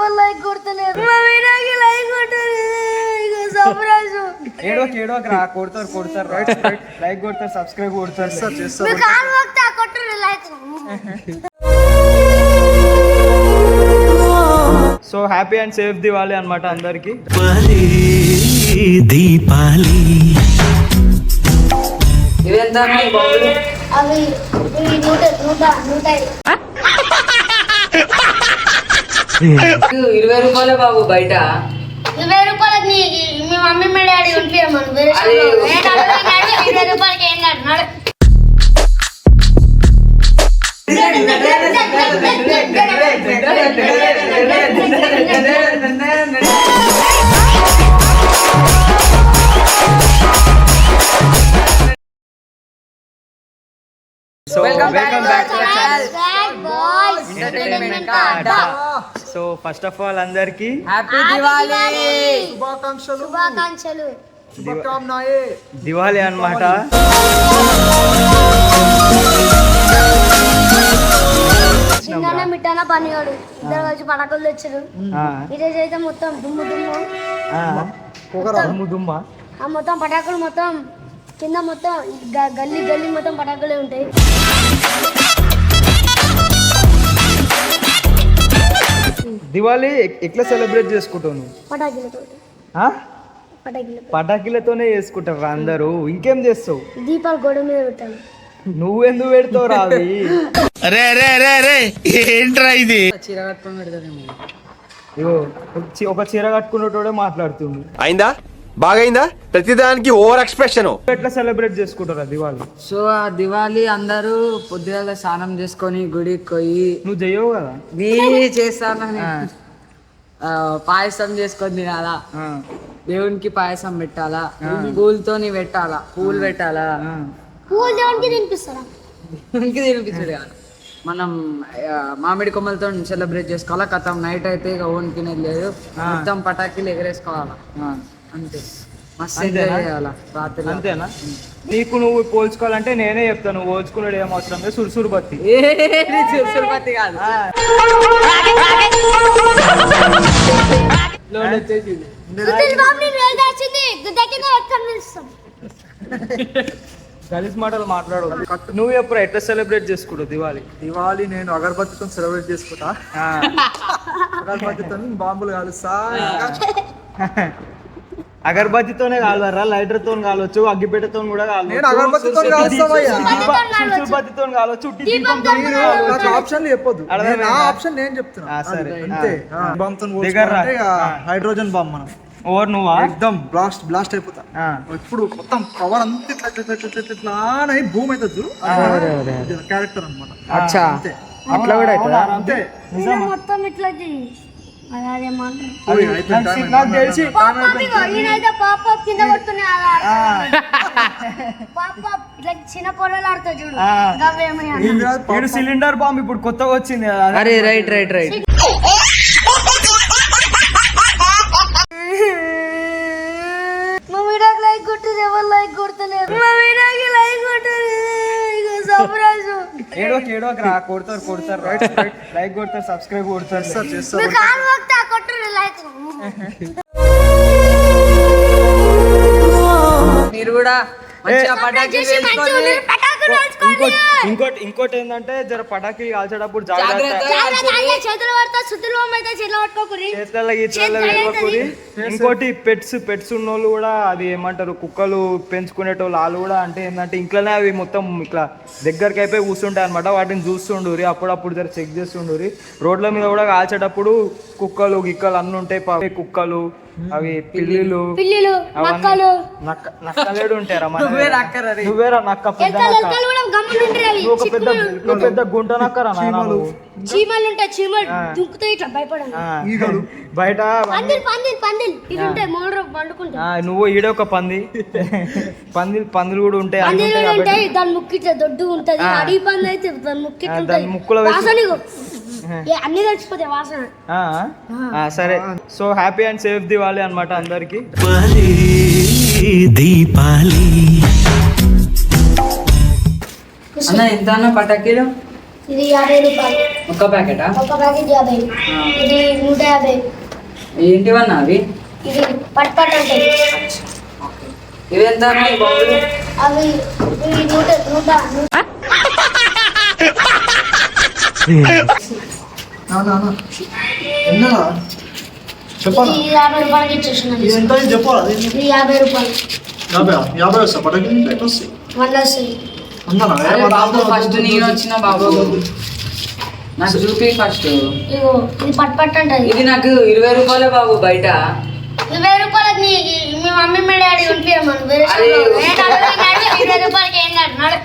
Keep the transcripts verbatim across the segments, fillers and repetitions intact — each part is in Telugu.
ఎవరు లైక్ కొడతలేరు మా వీడియోకి లైక్ కొట్టలేదు సర్ప్రైజ్ ఏడో ఏడో రా కొడతారు కొడతారు లైక్ కొడతారు సబ్స్క్రైబ్ కొడతారు మీ కాల్ వక్తా కొట్టరు like so happy and safe Diwali అన్నమాట అందరికి దీపాలి అవి నూట నూట నూట ఇరవై రూపాయలే బాబు బయట ఇరవై రూపాయలకి మీ మమ్మీ మీ డాడీ ఉంటున్నాం ఇరవై రూపాయలకి ఏం కాదు so welcome back to the channel boys entertainment కా అడ్డా. సో ఫస్ట్ ఆఫ్ ఆల్ అందరికి హ్యాపీ దివాళీ శుభాకాంక్షలు శుభాకాంక్షలు శుభకామనాయే దివాళీ అన్నమాట. నిన్న మిట్టాన పనివాడు ఇద్దరు కలిసి పటాకులు తెచ్చారు ఈరోజు అయితే మొత్తం దుమ్ము దుమ్ము దుమ్ము దుమ్మ ఆ మొత్తం పటాకులు మొత్తం కింద మొత్తం గ- గల్లీ గల్లీ మొత్తం పటాకులే ఉంటాయి. దివాళీ ఎట్లా సెలబ్రేట్ చేసుకుంటావు నువ్వు? పటాకులతో ఆ? పటాకులతో పటాకీలతోనే చేసుకుంటారు అందరూ. ఇంకేం చేస్తావు? దీపాలు గోడ మీద పెట్టాను. నువ్వెందుకు పెడతావు రావి? ఏంట్రా ఇది? చీర కట్టుకొని పెడతానేమో. ఇగో చి- ఒక చీర కట్టుకున్నటోడే మాట్లాడుతుంది. అయిందా బాగైందా ప్రతిదానికి ఓవర్ ఎక్స్ప్రెషన్. ఎట్లా సెలబ్రేట్ చేసుకుంటారా దివాళీ? సో ఆ దివాళీ అందరూ పొద్దుగాల స్నానం చేసుకొని గుడికి పోయి నువ్వు చెయ్యవు కదా? నీ చేస్తానని ఆ, పాయసం చేసుకొని తినాలా, ఆ, దేవునికి పాయసం పెట్టాలా, పూలతోని పెట్టాలా, పూలు పెట్టాలా, ఆ. పూలు దేవునికి తినిపిస్తారా? దేవునికి తినిపించడు కాదు. మనం ఆ, మామిడి కొమ్మలతో సెలబ్రేట్ చేసుకోవాలా. కథం నైట్ అయితే ఇక ఓన్ తినేది లేదు, మొత్తం పటాకీలు ఎగరేసుకోవాలా, ఆ. అంతే. మస్తు ఎంజాయ్ చేయాలా రాత్రి. అంతేనా? నీకు నువ్వు పోల్చుకోవాలంటే నేనే చెప్తాను. నువ్వు పోల్చుకున్నాడు ఏం అవసరం లేదు. సురుసురు బత్తి సురుపతి కాదు, లోడ్ వచ్చేసింది. సుధీర్ బాబు నేను వెళ్ళాల్సింది గుద్ద కింద ఎక్కడ నిలుస్తాం. కలిసి మాటలు మాట్లాడు. నువ్వు ఎప్పుడు ఎట్లా సెలబ్రేట్ చేసుకుంటావు దివాళీ? దివాళీ నేను అగరబత్తితో సెలబ్రేట్ చేసుకుంటా. ఆ. అగరబత్తితో బాంబులు కాలుస్తా. అగరబత్తితోనే కాలవరా? లైటర్ తో కాలవచ్చు, అగ్గిపెట్టతో కూడా నేను అగరబత్తితో కాలుస్తావయ్యా. సురుసురుబత్తితో కాలవచ్చు, ఉట్టి దీపంతో కూడా నాకు కాలవచ్చు. ఆప్షన్లు చెప్పొద్దు. అర్థమైందా? నేను ఆ ఆప్షన్ నేను చెప్తున్నా. ఆ, సరే. అంతే. ఆ. బాంబుతో దగ్గర రా. హైడ్రోజన్ బాంబ్ మనం ఓవర్ నువ్వా? ఎక్దమ్ బ్లాస్ట్ బ్లాస్ట్ అయిపోతా. ఆ. ఇప్పుడు మొత్తం కవర్ అంతా ఇట్లా ఇట్లా ఇట్లా ఇట్లా ఇట్లా అని అయి భూమి అవుతుంది. క్యారెక్టర్ అనమాట. అచ్చా, అంతే. అట్లా కూడా అవుతుందా? అంతే. ఇలా మొత్తం ఇట్లా చెయ్యి. అది అదే మాట. ఓయ్, అయిపోయింది. నాకు నాకు తెలిసి నేనైతే పాప కింద కొడుతున్నా పాప ఇట్లా చిన్న పొరలు ఆడుతా చూడు ఆ. గవ్వేమి అని. ఏం కాదు, పాప. వీడు సిలిండర్ బాంబ్ ఇప్పుడు కొత్తగా వచ్చింది కదా. అరే రైట్ రైట్ రైట్. మా వీడియోకి లైక్ కొట్టదు ఎవరు లైక్ కొడతలేరు మా వీడియోకి లైక్ కొట్టదు సర్ప్రైజ్ ఏడో ఏడో రా కొడతారు కొడతారు లైక్ కొడతారు సబ్స్క్రైబ్ కొడతారు. మీ కాల్ వక్తా కొట్టరు లైక్. మీరు కూడా మంచిగా పటాకీ వేసుకొని పటాకులు ఇంకోటి ఇంకోటి ఇంకోటి ఏంటంటే జర పటాకీ కాల్చేటప్పుడు జాగ్రత్త. జాగ్రత్త. చేతులు పడతా శుద్ధులు అయితే చేతులు పట్టుకోకురి. చేతులలో గీతలలో వెళ్ళకూరి. ఇంకోటి పెట్స్ పెట్స్ ఉన్నోళ్ళు కూడా అది ఏమంటారు కుక్కలు పెంచుకునేటోళ్ళు వాళ్ళు కూడా అంటే ఏంటంటే ఇంట్లోనే అవి మొత్తం ఇట్లా దగ్గరికి అయిపోయి కూర్చుంటాయి అనమాట. వాటిని చూస్తుండూరి అప్పుడప్పుడు జర చెక్ చేస్తుండూరి. రోడ్ల మీద కూడా కాల్చేటప్పుడు కుక్కలు గిక్కలు అన్నీ ఉంటాయి. ప- కుక్కలు అవి పిల్లిలు పిల్లులు నక్కలు నక్క నక్కలేడు ఉంటారా? నువ్వే నక్కరా రే. నువ్వేరా నక్క పెద్ద ఎక్కలు నక్క. ఎక్కలు కూడా గమ్మునుంటారు అవి. నువ్వు ఒక పెద్ద నువ్వు పెద్ద గుంట నక్కరా నాయనా నువ్వు. చీమలు ఉంటాయి చీమలు దుక్కుతాయి ఇట్లా భయపడను. ఆ, బయట పందిల్ పందిల్ పందిల్ ఇది ఉంటాయి మూడు పండుకుంటాయి. ఆ, నువ్వు ఈడ ఒక పంది పంది పందులు కూడా ఉంటాయి అన్ని పందిలు ఉంటాయి ఉంటాయి కాబట్టి దాని ముక్కు ఇట్లా దొడ్డు ఉంటది. ఆ. అడవి పంది అయితే దాని ముక్కు ఇట్లా ఆ, ఉంటది. దాని ముక్కులో వేసి- వాసన ఇగో. ఏ, అన్ని తెలిసిపోతాయి వాసన. ఆ, ఆ, సరే. So happy and safe Diwali అన్నమాట అందరికి. దీపాలి అన్న ఎంత అన్న పటాకీలు? ఇది యాభై రూపాయలు ఒక్క ప్యాకెటా? ఒక ప్యాకెట్ యాభై. ఇది నూట యాభై. ఏంటివన్నా అవి? ఇది పట్ పట్ అంటే ఇవి ఎంత అవి ఇవి నూట నూట ఎన్నా చెప్పాలా? ఇది యాభై రూపాయలకి ఇచ్చేస్తున్నాను. ఇది ఎంత అయింది చెప్పాలా? ఇది యాభై రూపాయలు. యాభై యాభై వస్తా పటాకి ఎట్లా వస్తాయి? వంద వస్తుంది. అన్నానా? అరే బాబు ఫస్ట్ నేను వచ్చిన బాబు నాకు చూపి ఫస్ట్. ఇగో ఇది పట్ పట్ అంటది. ఇది నాకు ఇరవై రూపాయలే బాబు బయట. ఇరవై రూపాయలకి నీ మీ మమ్మీ మీ డాడీ ఉంపియమను. వేరే అరే. ఇరవై రూపాయలకి ఏం కాదు నడు.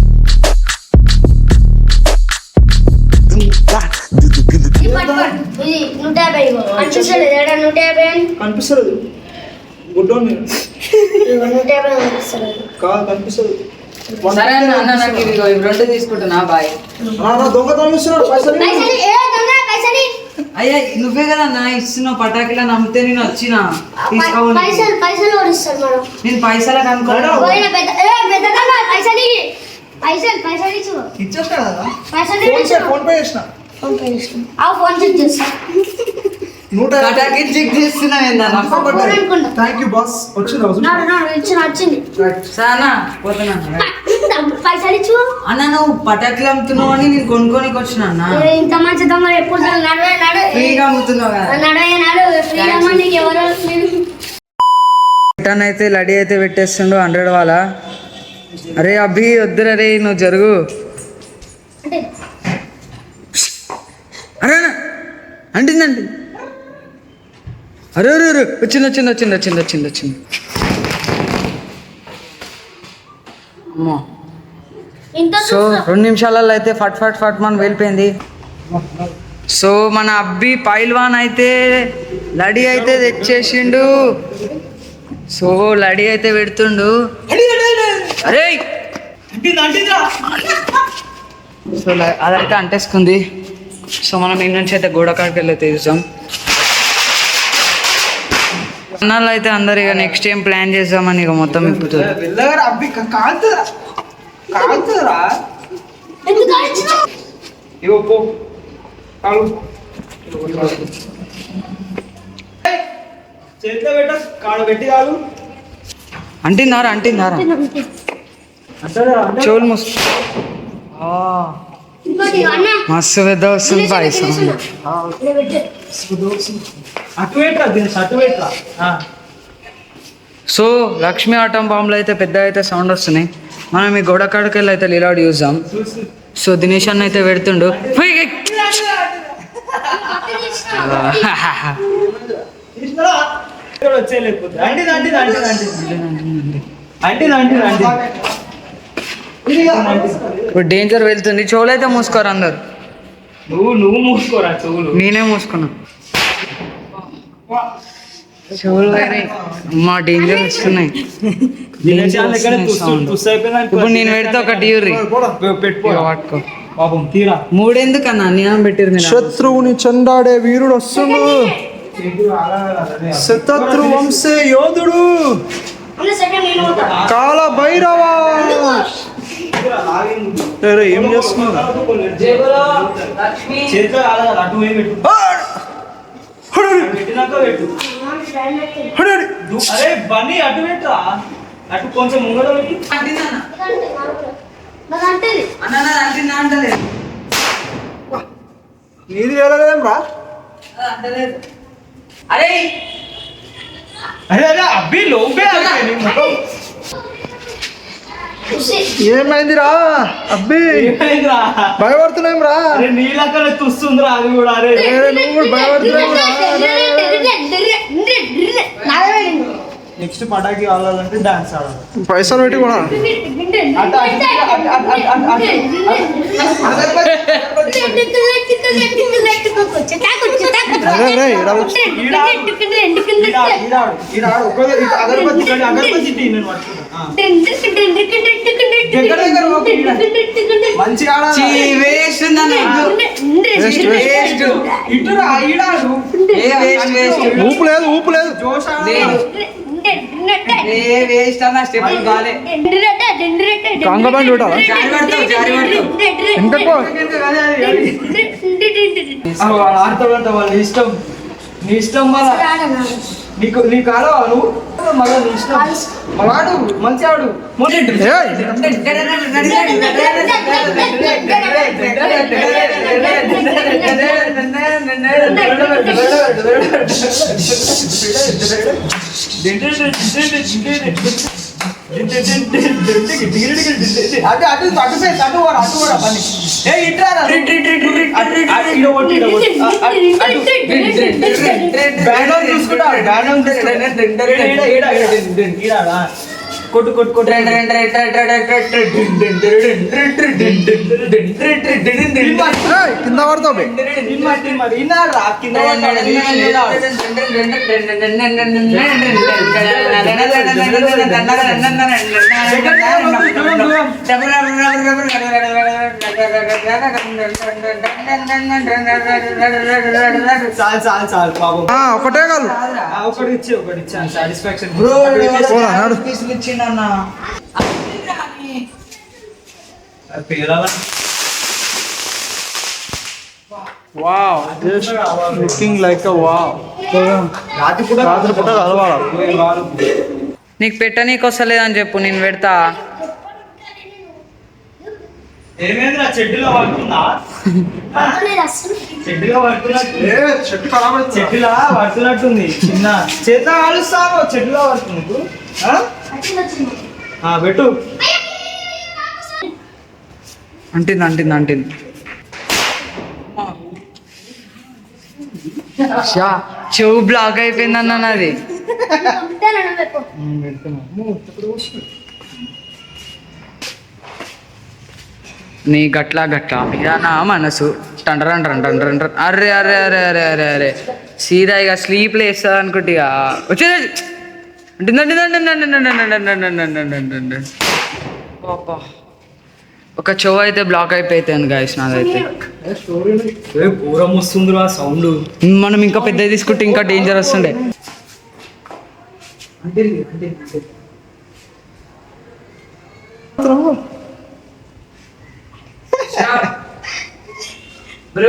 ఇది పట్ పట్. ఇది నూట యాభై. ఇగో అనిపిస్తలేదు ఏడా నూట యాభై అని. కనిపిస్తుంది గుడ్డోని ఇగో నూట యాభై అనిపిస్తలేదు. కాదు కనిపిస్తుంది. సరే అన్న అన్న నాకు ఇవి ఇవి రెండు తీసుకుంటున్నా బాయ్. దొంగతనం ఇస్తున్నాడు పైసలు. పైసలు ఏ దొంగ పైసలు అయ్యా నువ్వే కదా నా ఇస్తున్నావు పటాకిలా నమ్మితే నేను వచ్చిన తీసుకోవాలి. పైసలు పైసలు కూడా ఇస్తారు మనం. నేను పైసలకు అనుకోను. పోయిన పెద్ద ఏ పెద్ద దొంగ పైసలు ఇయ్యి. పైసలు పైసలు ఇచ్చు. ఇచ్చేస్తాడు కదా. పైసలు ఫోన్ పే ఇచ్చు. ఫోన్ పే చేసిన ఫోన్ పే చేసిన. ఆ ఫోన్ చెక్ చేస్తా. నూట పటాకి చెక్ చేస్తున్నావు ఏందన్నా? ఫోన్ అనుకుంటా. Thank you boss. వచ్చింది రోజు నాడు నాడు ఇచ్చిన వచ్చింది. సానా పోతున్నా పైసలు ఇచ్చు. అన్న నువ్వు పటాకులు అమ్ముతున్నావు అని నేను కొనుక్కోనికి వచ్చిన అన్న. ఏ, ఇంత మంచి దొంగ ఎప్పుడు నడవే నడు ఫ్రీగా అమ్ముతున్నావు కదా. నడవే నడు ఫ్రీగా నీకు ఎవరు రిటర్న్ అయితే లడీ అయితే పెట్టేస్తుండు హండ్రెడ్ వాళ్ళ. అరే అభి వద్దురా రే నువ్వు జరుగు. అంటే అరే అన్న అంటిందండి. అరే అరే అరే వచ్చింది వచ్చింది వచ్చింది వచ్చింది వచ్చింది వచ్చింది అమ్మో. ఇంత సో రెండు నిమిషాలలో అయితే ఫట్ ఫట్ ఫట్ మన వెళ్ళిపోయింది. సో మన అబ్బి పైల్వాన్ అయితే లడీ అయితే తెచ్చేసిండు. సో లడీ అయితే పెడుతుండు. అరే సో ల- అదైతే అంటేసుకుంది. సో మనం ఈ నుంచి అయితే గోడ కాడికి వెళ్ళి అయితే చూసాం. అన్నాళ్ళు అయితే అందరు ఇక నెక్స్ట్ ఏం ప్లాన్ చేద్దామని ఇక మొత్తం ఇప్పుతారు. వెళ్ళగారా అబ్బి కాలుతుందిరా కాలుతుందిరా. ఎందుకు అడిచినావు? ఇగో పో కాలు చేతిలో పెట్ట కాడు పెట్టి కాలు అంటిందారా అంటిందారా చెవులు మూసు. ఇంకోటి అన్న మస్తు పెద్ద వస్తుంది పాయసం. ఇలా పెట్టు. అటు పెట్టరా దీని అటు పెట్టరా. సో లక్ష్మీ ఆటం బాంబులు అయితే పెద్ద అయితే సౌండ్ వస్తున్నాయి. మనం ఈ గోడ కాడికి వెళ్ళి అయితే లీలాడు చూద్దాం. సో దినేష్ అన్న అయితే పెడుతుండు. ఫుయ్! వచ్చే లేకపోతే అంటే అంటే అంటే అంటే అంటే అంటే ఇప్పుడు డేంజర్ వెళ్తుంది. చెవులు అయితే మూసుకోరు అందరు. నువ్వు నువ్వు మూసుకోరా చెవులు. నేనే మూసుకున్నా చెవులు. మా డేంజర్ వస్తున్నాయి. ఇప్పుడు నేను పెడితే ఒకటి యూరి పెట్టుకో పట్టుకో. పాపం తీరా మూడెందుకన్నా అన్యాయం పెట్టిరు మీరు. శత్రువుని చెండాడే వీరుడు వస్తుండు. శతత్రు వంశే యోధుడు అన్న సెకండ్ నేను పోతా. కాల భైరవ. అరే ఏం చేస్తున్నావు? చేతిలో రాలేదు కదా, అటు పోయి పెట్టు పెట్టినాక పెట్టు. దు- అరే బన్నీ అటు పెట్టరా, అటు కొంచెం ముంగడ పెట్టు. అంటిందన్న. నాకు అంటేది అన్న నాది అంటిందా అంటలేదు. నీది వెళ్ళలేం రా. అది అంటలేదు. అరే అరే అరే అబ్బి లోపే అయిపోయింది మొత్తం. ఏమైందిరా అబ్బి? ఏమైందిరా? భయపడుతున్నాం రా. అరే నీళ్ళక్కడ తుస్తుందిరా అది కూడా. అరే నువ్వు కూడా భయపడుతున్నావు రా. నెక్స్ట్ పటాకి కావాలంటే డాన్స్ ఆడాలి. పైసలు పెట్టి కూడా మంచిగా చీ, వేస్ట్ ఉందన్న. Waste, waste. ఇటురా, ఈడాడు. ఏ వేస్ట్, వేస్ట్. ఊపు లేదు ఊపు లేదు. లేదు. ఏ వేస్ట్ అన్న స్టెప్ బాలే కాంగబండి ఉంటావా జారి పడతావు జారి పడతావు ఇంతకో ఆడతాడంట వాళ్ళ ఇష్టం నీ ఇష్టం మళ్ళా నీకు నీకు ఆడవా నువ్వు మళ్ళీ నీ ఇష్టం మళ్ళీ ఆడు మంచి ఆడు అటు అటు అటు ఫేస్ అటు కూడా అటు కూడా పని ఏ ఇట్రా బ్యానర్ చూసుకుంటా బ్యానర్ కొట్టు కొట్టు కొట్టు కింద పడతావు బే. మరి ఇన్నారా కింద చాలు చాలు చాలు పాపం ఆ, ఒకటే కాదు ఒకటి ఇచ్చి ఒకటి ఇచ్చాను సాటిస్ఫాక్షన్ పోరా, నడు. ఇచ్చిండన్నా wow just looking like a wow రాత్రి పూట రాత్రి పూట కలవాలి నీకు పెట్టనీకి వస్తలేదని చెప్పు నేను పెడతా ఏమైందిరా చెట్టులో పడుతుందా చెట్టులో పడుతున్నట్టు ఏ చెట్టు ఖరాబ్ అవుతుంది చెట్టులా పడుతున్నట్టుంది చిన్న చేతిలో కాలుస్తావు చెట్టులో పడుతుంది నీకు ఆ? ఆ, పెట్టు అంటింది అంటింది అంటింది షా చెవు బ్లాక్ అయిపోయింది అన్న నాది నీ గట్ల గట్ల ఇదా నా మనసు టండ్రన్ టన్ టన్ టన్ టన్. అర్రే అర్రే అరే అరే అరే అరే సీదా ఇక స్లీప్ లేస్తుంది అనుకుంటే ఇక వచ్చేది ఒక చెవు అయితే బ్లాక్ అయిపోయింది గాయస్ నాదైతే ఏ ఘోరం వస్తుందిరా సౌండ్ మనం ఇంకా పెద్దది తీసుకుంటే ఇంకా డేంజర్ వస్తుండే బ్రో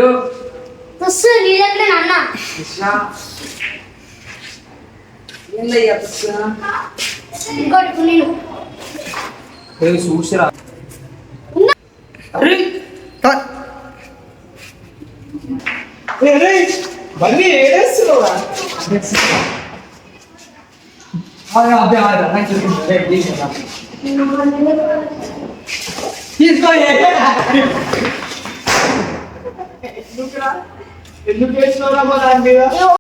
అన్న ఇంకోటి నేను చూసిరా మళ్ళీ ఏడేస్తున్నావురా తీసుకో ఎందుకు వేసినావురా మా దాని మీద